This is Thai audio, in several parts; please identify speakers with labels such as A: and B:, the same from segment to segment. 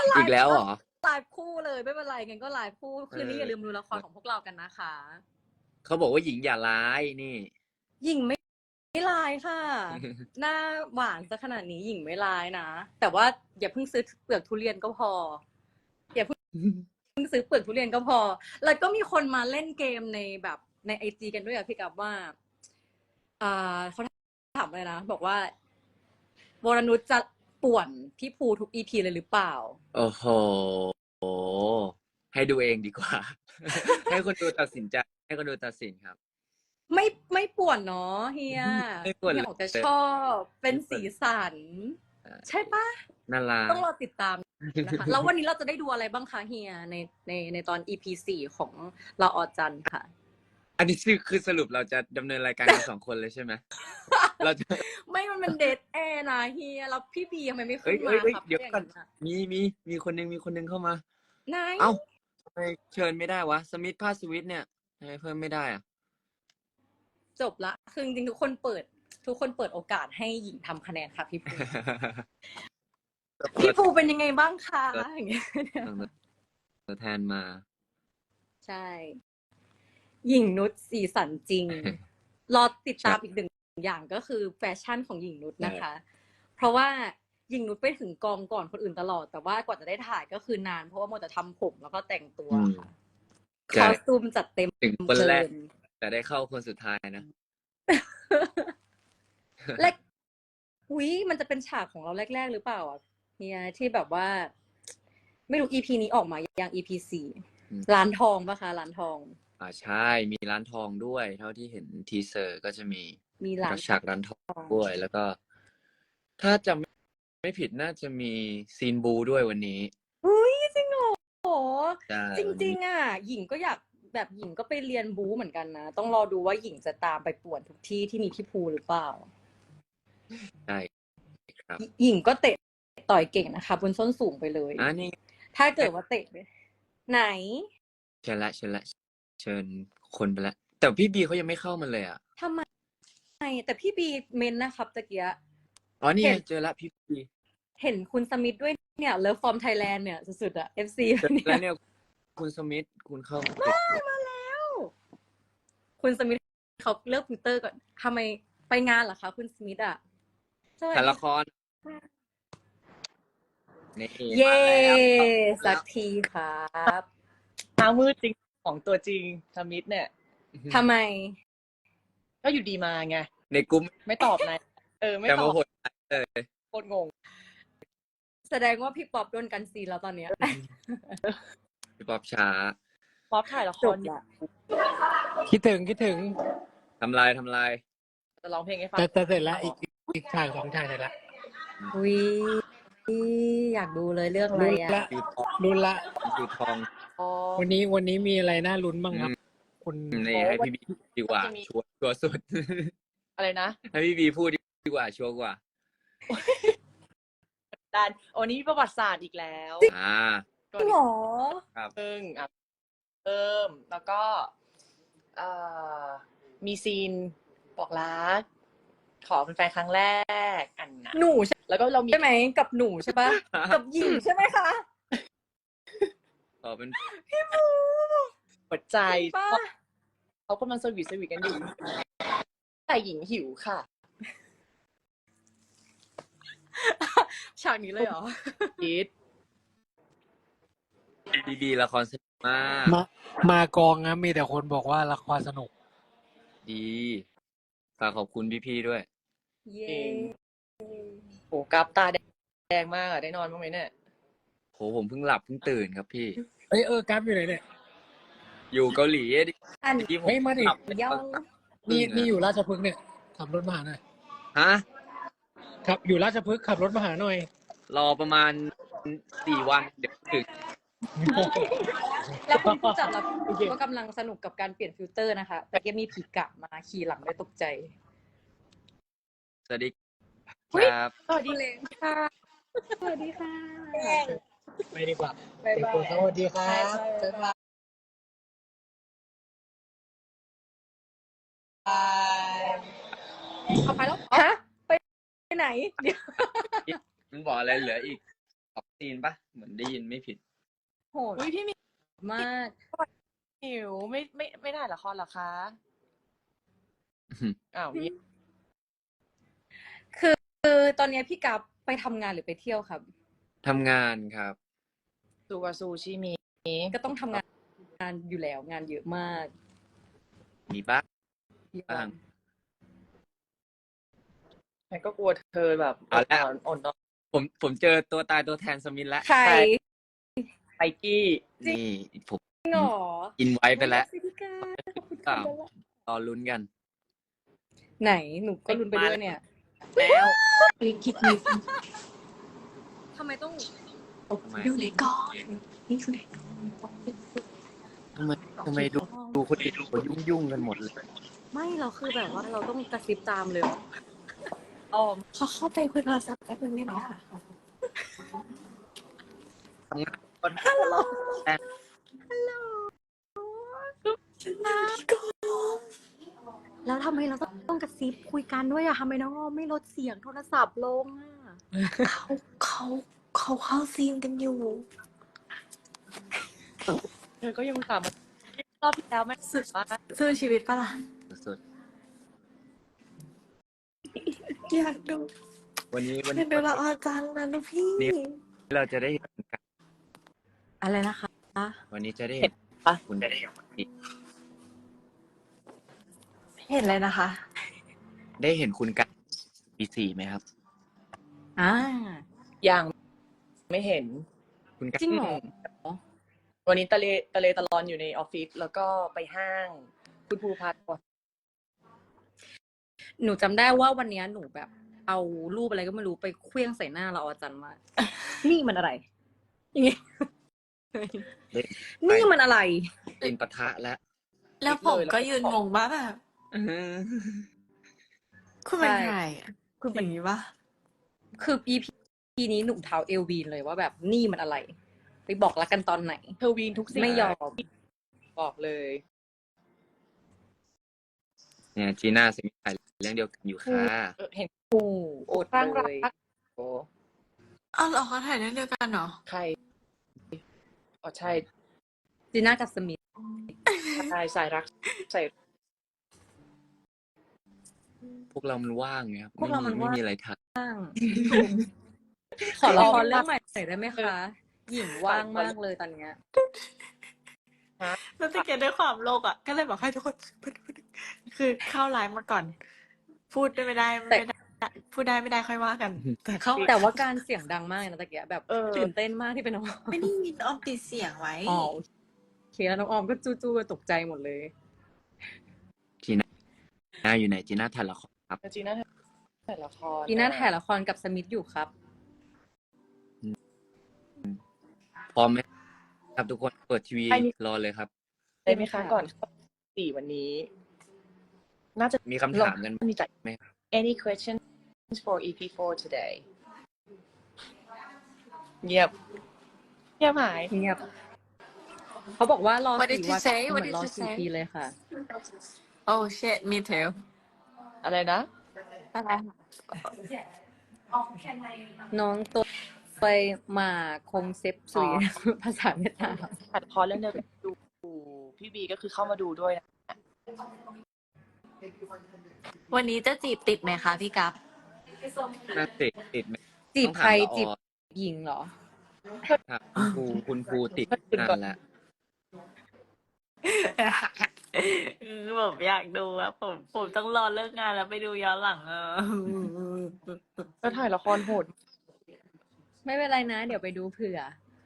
A: ไล
B: อีก
A: ฟ์
B: แล้วเหรอ
A: ไลฟ์คู่เลยไม่เป็นไรงั้นก็ไลฟ์คู่คืนนี้อย่าลืมดูละครของพวกเรากันนะคะ
B: เขาบอกว่าหญิงอย่าร้ายนี่
A: หญิงไม่ร้ายค่ะหน้าหวานซะขนาดนี้หญิงไม่ร้ายนะแต่ว่าอย่าเพิ่งซื้อเปลือกทุเรียนก็พออย่าเพิ่งซื้อเปลือกทุเรียนก็พอแล้วก็มีคนมาเล่นเกมในแบบในIGกันด้วยอะพี่กับว่าเขาถามเลยนะบอกว่าวรนุชจะป่วนพี่ภูทุกEPเลยหรือเปล่า
B: โอ้โหให้ดูเองดีกว่า ให้คนดูตัดสินใจให้คนดูตัดสินครับ
A: ไม่ป่วนเนาะเฮีย
B: ไม่ควร
A: เฮีย
B: เลย
A: ออกจะชอบเป็นสีสันใช่ปะ
B: น่ารัก
A: ต้องรอติดตามนะคะแล้ววันนี้เราจะได้ดูอะไรบ้างคะเฮียในตอน EP 4ของเราออจันค่ะ
B: อันนี้คือสรุปเราจะดำเนินรายการกัน2 คนเลยใช่ไหมเราจะ
A: ไม่มันเป็นเดทแอร์นะเฮียแล้วพี่บีทำไมไม่ขึ้นมาครับ
B: เดี๋ยวก่อนมีคนนึงเข้ามา
A: ไหน
B: เอ้าทำไมเชิญไม่ได้วะสมิธพาสวิทเนี่ยทำไมเพิ่มไม่ได้อ่ะ
A: จบละคือจริงๆทุกคนเปิดโอกาสให้หญิงทำคะแนนค่ะพี่ภูพี่ภูเป็นยังไงบ้างคะอย่างเงี้ย
B: ตัวแทนมา
A: ใช่หญิงนุชสีสันจริง รอติดตามอีกหนึ่งอย่างก็คือแฟชั่นของหญิงนุชนะคะ เพราะว่าหญิงนุชไปถึงกองก่อนคนอื่นตลอด แต่ว่ากว่าจะได้ถ่ายก็คือนานเพราะว่ามัวแต่ทำผมแล้วก็แต่งตัวค่ะคอสตูมจัดเต็ม
B: ถึงคนแรกแต่ได้เข้าคนสุดท้ายนะ
A: และอุ้ยมันจะเป็นฉากของเราแรกๆหรือเปล่าอ่ะเนี่ยที่แบบว่า ไม่รู้ EP นี้ออกมายัง EP 4ร้านทองปะคะร้านทอง
B: ใช่มีร้านทองด้วยเท่าที่เห็นทีเซอร์ก็จะมี
A: ร้าน
B: ฉากร้านทองด้วยแล้วก็ ถ้าจำไม่ผิดน่าจะมีซีนบูด้วยวันนี้
A: อุ้ยจริงเหรอจ
B: วัน
A: ริ
B: นี้
A: งๆอ่ะหญิงก็อยากแบบหญิงก็ไปเรียนบู๊เหมือนกันนะต้องรอดูว่าหญิงจะตามไปป่วนทุกที่ที่มีพี่ภูหรือเปล่า
B: ใช่ครับ
A: หญิงก็เตะต่อยเก่งนะคะบนส้นสูงไปเลย
B: นี่
A: ถ้าเกิดว่าเตะไหน
B: เชิญเชิญคนไปแล้วแต่พี่บีเขายังไม่เข้ามาเลยอ่ะ
A: ทำไมแต่พี่บีเมนนะครับตะเกีย
B: อ๋อนี่เจอแล้วพี่บี
A: เห็นคุณสมิธด้วยเนี่ยเลิฟฟอร์มไทยแลนด์เนี่ยสุดๆอะ FC
B: แล้วเนี่ยคุณสมิธคุณเข้า
A: มาแล้วคุณสมิธเขาเลิกฟิลเตอร์ก่อนทำไมไปงานเหรอคะคุณสมิธอะ
B: ถ่ายละครนี่
A: เย้
B: มา
A: สักทีครับ
C: เช้ามืดจริงของตัวจริงสมิธเนี่ย
A: ทำไม
C: ก็อยู่ดีมาไง
B: ในกลุ่ม
C: ไม่ตอบนะไม่ตอบ
B: เลย
C: โคตรงง
A: แสดงว่าพี่ป๊อปโดนกันซีแล้วตอนเนี้ย
B: พี่ป๊อปช้า
C: ป๊อปถ่ายละครอยู่
D: คิดถึง
B: ทำลาย
C: จะร้องเพลงให้ฟัง
D: แต่เสร็จแล้วอีกฉาก2 ฉากเสร็จแล้ว
A: อุ้ยอยากดูเลยเรื่องอะไรอะ
D: ลุ้นละ
B: คือทอง
D: วันนี้มีอะไรน่าลุ้นบ้างครับคุณ
B: นี่ให้พี่บีดีกว่าชัวร์สุด
C: อะไรนะ
B: ให้พี่บีพูดดีกว่าชัวร์กว่า
C: ดันวันนี้ประวัติศาสตร์อีกแล้ว
A: จริงเหรอ
B: ครับ
C: แล้วก็มีซีนบอกรักขอเป็นแฟนครั้งแรกอันนะ
A: หนู
C: แล้วก็เรามี
A: ใช่ไหมกับหนูใช่ปะกับหญิงใช่ไหมคะ
B: ขอเป็น
A: พี่บู
C: หัวใจเขากำลังสวีทกันอยู่แต่หญิงหิวค่ะ
A: ฉากนี้เลยเหรอ
C: คิด
B: บีละครสนุก
D: มากองนะมีแต่คนบอกว่าละครสนุก
B: ดีฝากขอบคุณพี่ด้วย
A: เย้
C: โหกราฟตาแดงมากได้นอนบ้างไหมเนี่ย
B: โหผมเพิ่งหลับเพิ่งตื่นครับพี่
D: กราฟอยู่ไหนเนี่ย
B: อยู่เกาหลี
D: ที่ผมมาดินี่อยู่ราชพฤกษ์เนี่ยขับรถมาหาหน่อย
B: ฮะ
D: ครับอยู่ราชพฤกษ์ขับรถมาหาหน่อย
B: รอประมาณ4 วันเดี๋ยวถึง
A: แล้วคุณผู้จัดเราก็กำลังสนุกกับการเปลี่ยนฟิลเตอร์นะคะแต่ยังมีผีกะมาขี่หลังด้วยตกใจ
B: สวัสดีครับ
A: สวัสดีค่ะสวัสดีค่ะ
D: ไปดีกว่าสวัสดีครับบ๊ายบาย
A: เอาไปแล้วฮะไปไหนเดี๋ยว
B: มันบอกอะไรเหลืออีก2 ซีซีนปะเหมือนได้ยินไม่ผิด
A: โหด
C: อุ้ยพี่มี
A: มาก
C: หิวไม่ได้ละครเหรอคะอ้าวนี่
A: คือตอนเนี้ยพี่กัฟไปทำงานหรือไปเที่ยวครับ
B: ทำงานครับ
C: ซูวาซูชิมี
A: ก็ต้องทำงานอยู่แล้วงานเยอะมาก
B: มีบ้าง บ้าง
C: ฉันก็กลัวเธอแบบ
B: เอาแล้ว
C: อ่อนนอน
B: ผมเจอตัวตายตัวแทนสมิธแล้ว
A: ใคร
C: ไอกี้
B: นี่ผม
A: จริงเหรอ
B: อินไว้ไปแล้ว
A: อุ๊ยพี่กัฟขอบคุณ
B: เปล่า
A: ค่ะ
B: รอลุ้นกัน
A: ไหนหนูก็ลุ้นไปด้วยเนี่ย
C: แล้ว
E: คิดนิด
A: ทำไมต้อง
B: ทำไม
E: อยู่ในกองนี่คือไหน
B: ทำไมดูคนอื่นเขายุ่งกันหมดเลย
A: ไม่เราคือแบบว่าเราต้องกระซิบตามเลยเหรอ
C: อ้อม
E: เขาเข้าไปคุยโทรศัพท์แป๊บนึงได้ไหมคะ
B: ทำงานคน
A: แล้วทำไมเราต้องกระซิบคุยกันด้วยอะทำไมน้องอ้อมไม่ลดเสียงโทรศัพท์ลงอะ
E: เขาเข้าซีนกันอยู่
C: เธอก็ยังถามรอบที่แล้วไม่สุดว่า
E: สู้ชีวิตปะล่ะ
B: สุด
E: อยากดู
B: ๆวันนี้
E: อยากดูละออจังนะลูกพี่
B: เราจะได้เห็นกัน
A: อะไรนะคะ
B: วันนี้จะได้เห็นคุณได้เห็น
E: เห็นเลยนะคะ
B: ได้เห็นคุณกันปีสี่ไหมครับ
A: อ่า
C: ยังไม่เห็น
B: คุณกัน
A: จริงเหรอ
C: วันนี้ตะเลตะลอนอยู่ในออฟฟิศแล้วก็ไปห้าง คุณภูพัฒน์ก่อน
A: หนูจำได้ว่าวันเนี้ยหนูแบบ เอารูปอะไรก็ไม่รู้ไปเคลื่องใส่หน้าเราอาจารย์มาก นี่มันอะไรอย่างเงี้ย
B: ได้
A: นี่มันอะไร
B: เป็นปะทะแล้ว
E: แล้วผมก็ยืนงงว่าแบบคุณเป็นใครอ่ะคุณเป็นอย่างนี้ปะ
A: คือ EP นี้หนุ่มเท้าเอลวีนเลยว่าแบบนี่มันอะไร ไปบอกรักกันตอนไหน
C: เธอวีนทุกสิ่ง
A: ไม่ยอม
C: บอกเลย
B: เนี่ยจีน่าสมิธถ่ายเรื่องเดียวกันอยู่ค่ะ
C: เห็น
A: โอ้โอด
C: ร่าง
A: เล
C: รั
A: ย
C: กโอ้
E: อ้าวเหรอเขาถ่ายเรื่องเดียวกันเหรอ
C: ใครอ๋อใช่
A: จีน่ากับสมิธ
C: ใช่สายรักใส่
B: พวกเรามันว่างไงครับ
A: พวกเรามัน
B: ไม่
A: ว่าง
B: มีอะไรท
A: ขอละครเรื่องใหม่หน่อยได้ไหมคะ หญิงว่างมากเลยตอนเนี้ย
E: แล้วตะเกียบด้วยความโลกอ่ะ ก็เลยบอกให้ทุกคนคือเข้าไลฟ์มาก่อน พูดไม่ได้พูดได้ไม่ได้ค่อยว่ากัน แต่เข้า
A: แต่ว่าการเสียงดังมากเลยนะตะเกียบแบบตื่นเต้นมากที่เป็นน้องออม
E: ไม่ได้ยินออมติดเสียงไว้
A: อ๋อโอเคแล้วน้องออมก็จู้ๆตกใจหมดเลย
B: ำจีน่าอยู่ไหนจีน่าถ่ายละครครับ
C: จีน่าถ่ายละคร
A: จีน่าถ่ายละครกับสมิธอยู่ครับ
B: พร้อมไหมครับทุกคนเปิดทีวีรอเลยครับ
C: ได้ไหมคะก่อนสี่วันนี้ น่าจะ
B: มีคำถามกัน
C: มีจัด
B: ไหม
C: Any questions for EP4 today เงียบหาย
A: เงียบเขาบอกว่ารอ
E: What did
A: 4
E: you
A: วัน
E: say?
A: เหมื
E: What
A: อน
E: did
A: รอ
E: you
A: 4
E: say?
A: ปีเลยค่ะ
E: Oh shit me too
C: อะไรนะ
E: อะไร
A: น้องตัวไปมาคงเซฟซุย ภาษาเวียดนาม
C: ถ่ายละครเรื่องเดียวกันดูพี่บีก็คือเข้ามาดูด้วยนะ
E: วันนี้จะจีบติดไหมคะพี่กัฟ
B: น่าติดไหม
A: จีบใคร
B: ต้องถามละออ
A: จีบหญิงเหรอ
B: ครับคุณครูติดนานแล้ว
E: ผมอยากดูอะผมต้องรอเลิกงานแล้วไปดูย้อนหลังอะ
C: ก็ถ่ายละครโหด
A: ไม่เป็นไรนะ เดี๋ยวไปดูเผื่อ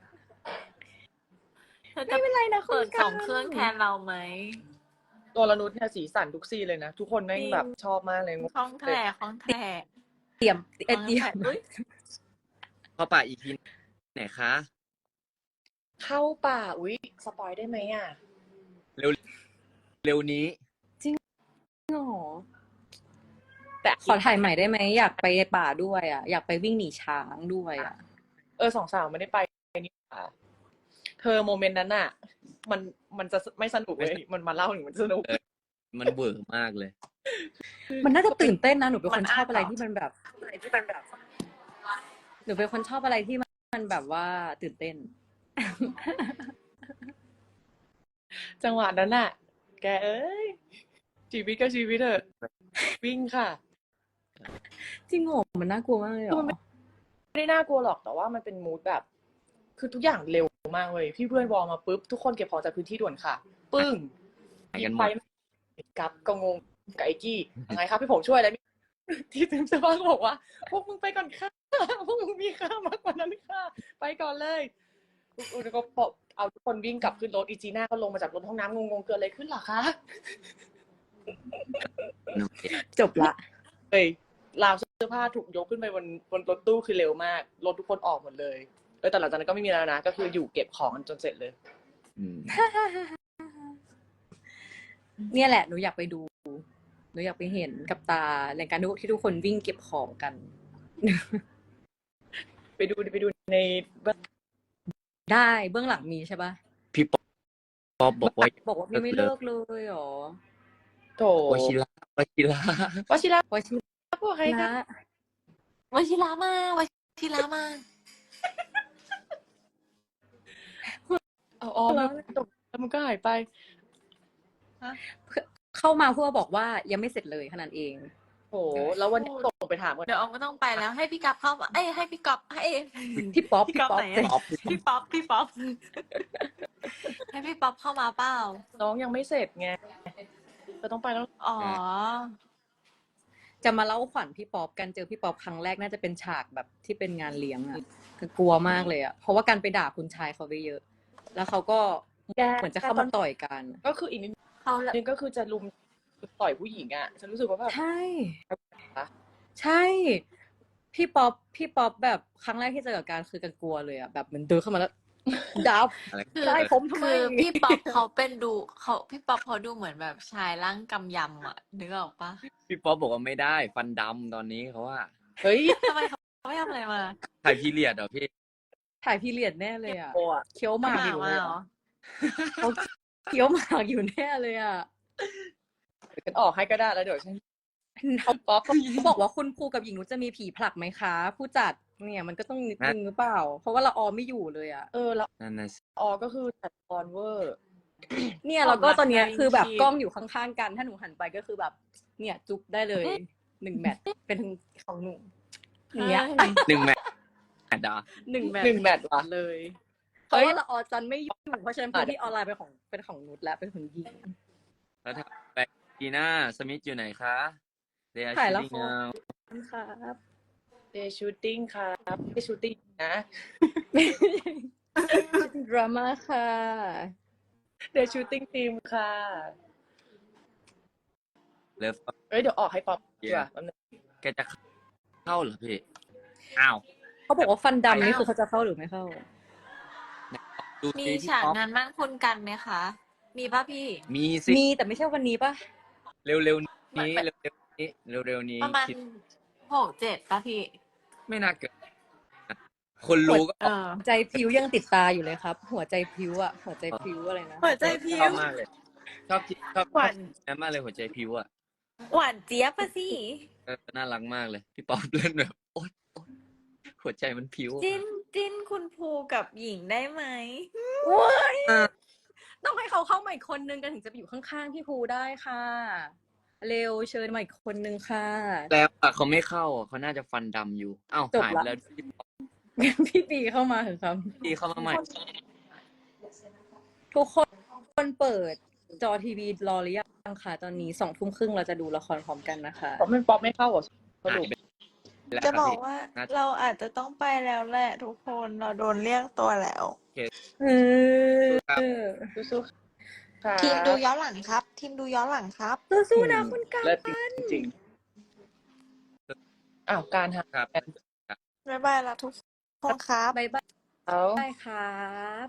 E: ไม่เป็นไรนะเปิด2 เครื่องแทนเราไหม
C: ตัวละนุชเนี่ยสีสันทุกซีนเลยนะ ทุกคนแม่งแบบชอบมากเลย
E: คล้องแท้คล้องแท้
A: เตรียม
E: คล้อง
A: เตรีย
E: แท้
A: ม
E: อุ๊ย
B: เข้าป่าอีพีไหนคะ
C: เข้าป่าอุ๊ยสปอยได้ไหมอ่ะ
B: เร็วนี้
A: หรอ
C: แต่
A: ขอถ่ายใหม่ได้ไหมอยากไปป่าด้วยอ่ะ อยากไปวิ่งหนีช้างด้วยอ่ะ
C: สองสาวไม่ได้ไปนี่หว่าเธอโมเมนต์นั้นอ่ะ มันจะไม่สนุกเลยมันมาเล่าถึงมันสนุก
B: มันเวอร์มากเลย
A: มันน่าจะตื่นเต้นนะหนูเป็นคนชอบอะไรที่มันแบบ หนูเป็นคนชอบอะไรที่มันแบบว่าตื่นเต้น
C: จังหวะนั้นน่ะ แกเอ้ยชีวิตก็ชีวิตเถอะวิ่งค่ะ
A: จริงเหรอมันน่ากลัวมากเลยเหร
C: คือ
A: อ
C: มันไม่ได้น่ากลัวหรอกแต่ว่ามันเป็นมูดแบบ คือทุกอย่างเร็วมากเลยพี่เพื่อนวอลมาปุ๊บทุกคนเก็บของจากพื้นที่ด่วนค่ะ ปึ้ง
B: ไปกันหม
C: ไป
B: ด
C: กับก็งงกับไอ้กี้ยังไงครับพี่ผมช่วยอะไรที่ถึงสภาพก็บอกว่า พวกมึงไปก่อนค่ะพวกมึงมีค่ามากกว่านั้นค่ะไปก่อนเลยอุนก็ปอบเอาทุกคนวิ่งกลับขึ้นรถอีจีน่าก็ลงมาจากรถห้องน้ำงงๆเกิดอะไรขึ้นเหรอคะ
A: จบละ
C: เฮ้ยราวเสื้อผ้าถูกยกขึ้นไปบนรถตู้คือเร็วมากรถทุกคนออกหมดเลยแต่หลังจากนั้นก็ไม่มีแล้วนะก็คืออยู่เก็บของกันจนเสร็จเลย
B: อืม
A: เนี่ยแหละหนูอยากไปดูหนูอยากไปเห็นกับตาในการที่ทุกคนวิ่งเก็บของกัน
C: ไปดูใน
A: ได้เบื้องหลังมีใช่ปะ
B: พี่ป๊อปบอกว่า
A: บอกว่าพี่ไม่เลิกเลยเหรอ
C: โถ
B: วชิระวชิระ
C: วชิระ
A: วชิ
C: พวกใคร
A: ระ
C: นะ
E: วชิระมาวชิระมา
C: อ๋อมันตกแล้วมันก็หายไป
A: เข้ามาเพื่อบอกว่ายังไม่เสร็จเลยขนาดเอง
C: โหแล้ววันนี้ตกไปถามกัน
E: เดี๋ยวออมก็ต้องไปแล้วให้พี่กั๊บเข้ามาให้พี่ก๊อฟให้
A: พี่ป๊อป
E: พี่
A: พี่
E: ก๊อฟ
A: ป๊อป
E: ไหน
A: เสร็จ
E: อะพี่ป๊อปให้พี่ป๊อปเข้ามาเปล่า
C: น้องยังไม่เสร็จไงจะต้องไปแล้ว
E: อ๋อ
A: จะมาเล่าขวัญพี่ป๊อปกันเจอพี่ป๊อปครั้งแรกน่าจะเป็นฉากแบบที่เป็นงานเลี้ยงอะคือกลัวมากเลยอะเพราะว่าการไปด่าคุณชายเขาไปเยอะ แล้วเขาก็เหมือนจะเข้ามาต่อยกัน
C: ก็คืออีกนิด
E: เขาละ
C: นึงก็คือจะลุมต่อยผู้หญิงอ่ะฉันรู้สึกว่าแบบ
A: ใช่ ใช่ พี่ป๊อปแบบครั้งแรกที่เจอกับการคือกันกลัวเลยอะแบบเหมือนเดินเข้ามาแล้ว ดับ
B: อะไร
E: คือ
A: ได้ผมทำไม
E: คือพี่ป๊อปเขาเป็นดูพี่ป๊อปเขาดูเหมือนแบบชายร่างกำยำอ่ะนึกออกปะ
B: พี่ป๊อปบอกว่าไม่ได้ฟันดำตอนนี้เขาว่า
C: เฮ้ย
E: ทำไมเขาไม่ทำอะไรมา
B: ถ่ายพีเรียดเหรอพี่
A: ถ่ายพีเรียดแน่เลยอะ
C: โอ้อะ
A: เคี้ยวหมากอยู่เลยอะเขาเคี้ยวหมากอยู่แน่เลยอะ
C: เดี๋ยวฉันออกให้ก็ได้แล้วเดี๋ยวฉัน
A: เขาบอกว่าคุณครูกับหญิงนุชจะมีผีผลักไหมคะ ผู้จัดเนี่ยมันก็ต้องนิดนึงหรือเปล่า เพราะว่าละออไม่อยู่เลยอะ
C: แล้ว
B: นั่นน่ะสิ
C: ก็คือจัดคอนเวอร์
A: เนี่ยแล้วก็ตอนเนี้ยคือแบบกล้องอยู่ข้างๆกัน ถ้าหนูหันไปก็คือแบบ เนี่ยจุ๊บได้เลย1 แมตช์เป็นของหนูอย่างเงี้ย
B: 1 แมตช์ดา
A: 1 แมตช์
C: 1 แมตช์ว่ะ
A: เลย เพ
C: เฮ้
A: ราะ
C: ย
A: ว่าละออจันไม่อยู่เพราะฉะนั้นพื้นที่ออนไลน์เป็นของนุชและเป็นของหญิง
B: แล้วถ้าไปกีน่าสมิธอยู่ไหนคะ They are
A: ถ่ายละค
B: shooting
A: ร
B: now
A: ครับ
C: เดย์ชูตติ้งครับไม่ชูตติ้งนะ
A: ดราม่าค่ะ
C: เดย์ชูตติ้งทีมค่ะ
B: เลิฟ
C: เอ้ยเดี๋ยวออกให้ป๊อปดีกว่าแป๊บนึง
B: แกจะเข้าเหรอพี่ อ้าว
A: เขาบอกว่าฟันดำนี่คือเขาจะเข้าหรือไม่เข้า
B: ดู
E: มี
B: สิพี่
E: ฉาก
B: ป๊อป
E: งานมั่นคุณกันไหมคะ มีป่ะพี่
B: มีสิ
A: มีแต่ไม่ใช่วันนี้ปะ
B: เร็วๆนี้เร็วๆนี้
E: ประมาณ
B: คิด
E: 6-7ป่ะพี่
B: ไม่น่าเกิดคนรู้ก็
A: ใจพริ้วยังติดตาอยู่เลยครับ หัวใจพริ้วอะหัวใจพริ้วอะไรนะ
E: หัวใจพิ
B: ชอบ
E: ว
B: มากเลย ชอบนั้นมากเลยหัวใจพิวอ่ะ
E: หวานเจี๊ยบป่ะสิ
B: น่ารักมากเลย พี่ป๊อปเล่นแบบโอ๊ยหัวใจมันพิว
E: จิ้นคุณภูกับหญิงได้ไหม
A: ต้องให้เขาเข้ามาอีกคนนึงกันถึงจะไปอยู่ข้างๆพี่ภูได้ค่ะ เร็วเชิญมาอีกคนนึงค่ะ
B: แล้วอะเขาไม่เข้าอ่ะเขาน่าจะฟันดำอยู่อ้าว
A: จบ
B: หาย
A: ละ
B: ไปแล้วพี่ป๊อป
A: พี่ปีเข้ามาเถอะครับ
B: ตีเข้ามาใหม่
A: ทุกคนเปิดจอทีวีรอหรือยังคะตอนนี้20:30เราจะดูละครพร้อมกันนะคะ
C: ป๊อปไม่ป๊อปไม่เข้าเหรอสรุป
B: แล้ว
E: จะ
B: ครับ
E: บอก
B: พี่
E: ว่า
B: น่าจะ
E: เราอาจจะต้องไปแล้วแหละทุกคนเราโดนเรียกตัวแล้ว
A: เออ
C: สู้ๆค่ะ
E: ทีมดูย้อนหลังครับ ทีมดูย้อนหลังครับ
A: สู้ๆนะคุณกัน
C: เลิศจริงๆอ้าวการหา
B: ครับ
E: บ๊ายบายละทุกคนครับ
A: บ๊ายบาย
C: เอา
A: ครับ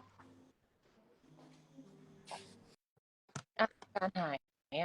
C: การหายเนี่ย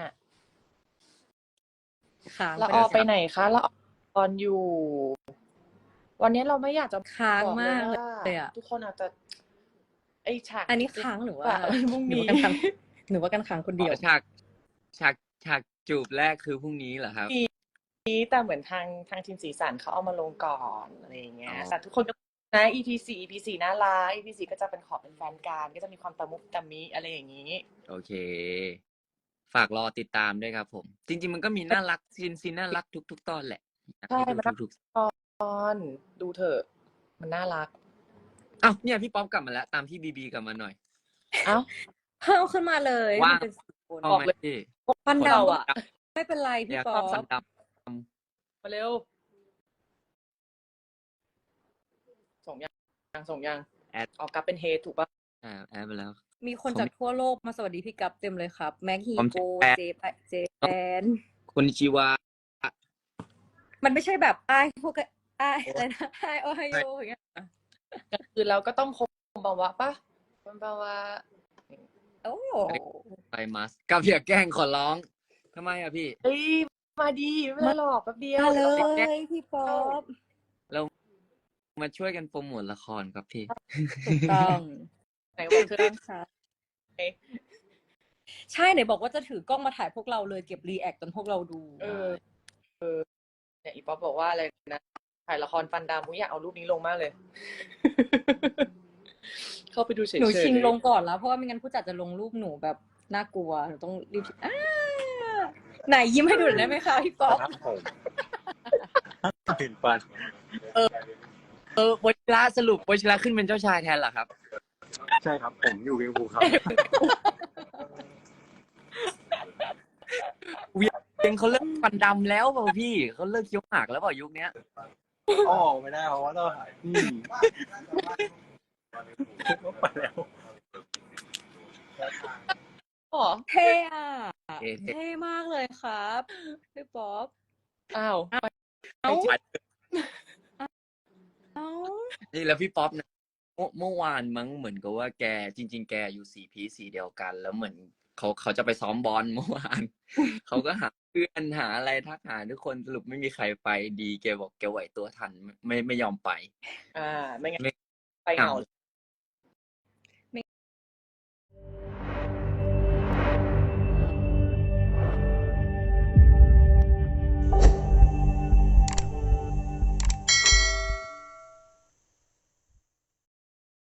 A: ค้าง
C: ละออไปไหนคะละออนอยู่ วันนี้เราไม่อยากจะ
A: ค้าง
C: บอก
A: มาก
C: ว่า
A: เลยอะ
C: ทุกคนอาจจะไอฉาก
A: อันนี้ค้างหรือว่า
C: พรุ่ง
A: หนู
C: นี้
A: ว่ากันค้างหนูว่ากันค้างคนเดียว
B: ฉากจูบแรกคือพรุ่งนี้เหรอครับ
C: แต่เหมือนทางทีมสีสันเขาเอามาลงก่อนอะไรอย่างเงี้ย
B: อ๋อ
C: แต่ทุกคนก็นะ EP4 น่ารัก EP4ก็จะเป็นขอเป็นแฟนกันก็จะมีความตะมุตะมิอะไรอย่างนี้
B: โอเค ฝากรอติดตามด้วยครับผม จริง ๆ มันก็มีน่ารักซีนน่ารักทุกตอนแหละอยากให้
C: ใช่
B: ดู
C: มันน่า
B: ทุก
C: ตอนดูเถอะมันน่ารัก
B: อ้าวเนี่ยพี่ป๊อปกลับมาแล้ว ตามพี่บีกลับมาหน่อย
C: เอ้า
A: เพิ่มขึ้นมาเลย
B: ว่าง
A: มันเป็นสี่คน
B: เอา
C: บอก
B: ไหม
C: เลย
B: พี่
A: ฟัน
C: เรา
A: ดำ
C: อะ
A: ไม่เป็นไร
B: อ
A: พี่
B: ยาก
A: ป๊อ
B: ฟัน
A: ป
B: ด
C: มาเร็ว ส่งยัง
B: แอด
C: ออกกลับเป็นเฮดถูกปะ
B: แอดไปแล้ว
A: มีคนจากทั่วโลกมาสวัสดีพี่กัปเต็มเลยครับ แม็กฮี
B: ผม
A: โก
B: แปล
A: เจแปน
B: คนชิวา
A: มันไม่ใช่แบบไอพวกไออะไรนะไอโอไฮโออย่างเงี้ย
C: กลางคืนเราก็ต้องคมบาวะปะคมบาวะ
A: โอ้
B: ไปมัสกับอย่าแกล้งขอร้องทำไมอะพี่
C: เฮ้ยมาดีไม่เป็นไรหรอกแป๊บเดียว
A: มาเลยพี่ป๊อป
B: มาช่วยกันโปรโมทละครครับพี่
A: ถูกต้อง
C: ไหนบอกเธอ
A: ต้องค่ะใช่ไหนบอกว่าจะถือกล้องมาถ่ายพวกเราเลยเก็บรีแอคจนพวกเราดู
C: เนี่ยอีป๊อปบอกว่าอะไรนะถ่ายละครฟันดำมุ้ยอยากเอารูปนี้ลงมากเลย เข้าไปดูเฉยๆ
A: หนูชิงลงก่อนแล้ว เพราะว่าไม่งั้นผู้จัดจะลงรูปหนูแบบน่ากลัวหนูต้องรีบไหนยิ้มให้ดูหน่อยได้ไหมคะพี่ป๊อป
F: ครับผมเห็นปัน
B: วชิระสรุปวชิระขึ้นเป็นเจ้าชายแทนเหรอครับ
F: ใช่ครับผมอยู่เวียงภูครับ
B: เป็นเขาเลิกฟันดำแล้วเปล่าพี่เขาเลิกเคี้ยวหมากแล้วเปล่ายุคเนี้ย
F: ออกไม่ได้เพราะว่าต้องไปแล้ว
C: อ๋อ
A: เท่อะ
B: เท่
A: เท่มากเลยครับพี่ป๊อป
C: อ้าว
A: เอ้าเอ้า
B: นี่แล้วพี่ป๊อปนะเมื่อวานมั้งเหมือนกับว่าแกจริง ๆ แกอยู่สีพีสีเดียวกัน แล้วเหมือนเขาจะไปซ้อมบอลเมื่อวาน เขาก็หาเพื่อนหาอะไรทักหาทุกคนสรุปไม่มีใครไปดีแกบอกแกไหวตัวทันไม่ยอมไป
C: ไม่งั้น
B: ไม่
C: ไปเหงา